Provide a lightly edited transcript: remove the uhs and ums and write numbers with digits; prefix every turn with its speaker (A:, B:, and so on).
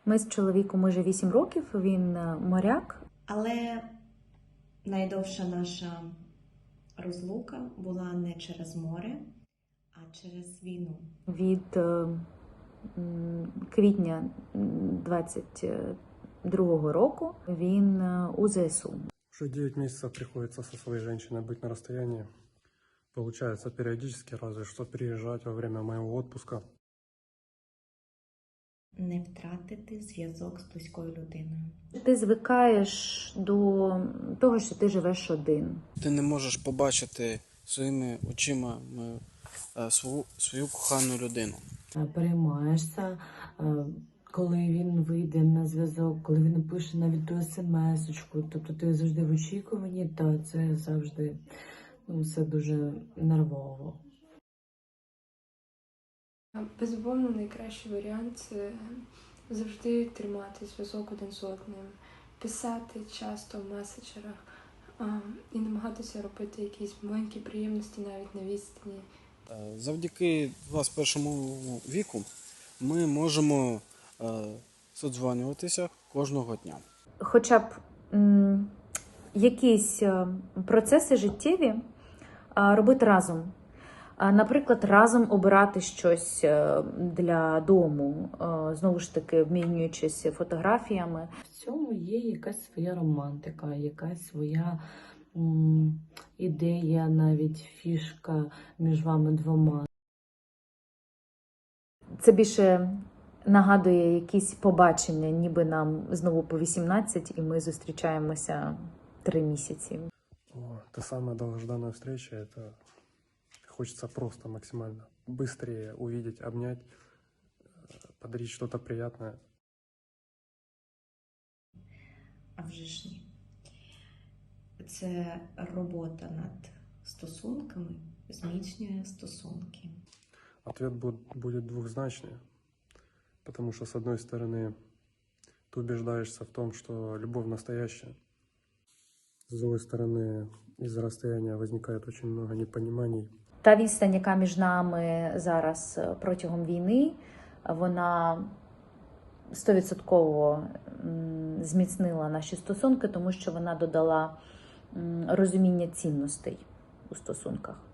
A: Ми з чоловіком уже 8 років, він моряк.
B: Але найдовша наша розлука була не через море, а через війну.
A: Від квітня 22-го року він у ЗСУ.
C: Уже 9 месяцев приходится со своей женщиной быть на расстоянии. Получается периодически, разве что приезжать во время моего отпуска.
B: Не втратити зв'язок з близькою людиною.
A: Ти звикаєш до того, що ти живеш один.
D: Ти не можеш побачити своїми очима свою кохану людину.
E: Переймаєшся, коли він вийде на зв'язок, коли він напише навіть ту смс-очку. Тобто ти завжди в очікуванні, та це завжди все дуже нервово.
F: Безумовно, найкращий варіант – це завжди тримати зв'язок один з одним, писати часто в меседжерах і намагатися робити якісь маленькі приємності навіть на відстані.
D: Завдяки 21 віку ми можемо содзвонюватися кожного дня.
A: Хоча б якісь процеси життєві робити разом. Наприклад, разом обирати щось для дому, знову ж таки, обмінюючись фотографіями.
E: В цьому є якась своя романтика, якась своя ідея, навіть фішка між вами двома.
A: Це більше нагадує якісь побачення, ніби нам знову по 18, і ми зустрічаємося 3 місяці.
C: Та самая долгожданная встреча, это хочется просто максимально быстрее увидеть, обнять, подарить что-то приятное.
B: А вже ж ні. Це робота над стосунками зміцнює стосунки.
C: Ответ будет двухзначный, потому что, с одной стороны, ты убеждаешься в том, что любовь настоящая. С другой стороны, из-за расстояния возникает очень много непониманий.
A: Та відстань, яка між нами зараз протягом війни, вона 100% зміцнила наші стосунки, тому що вона додала розуміння цінностей у стосунках.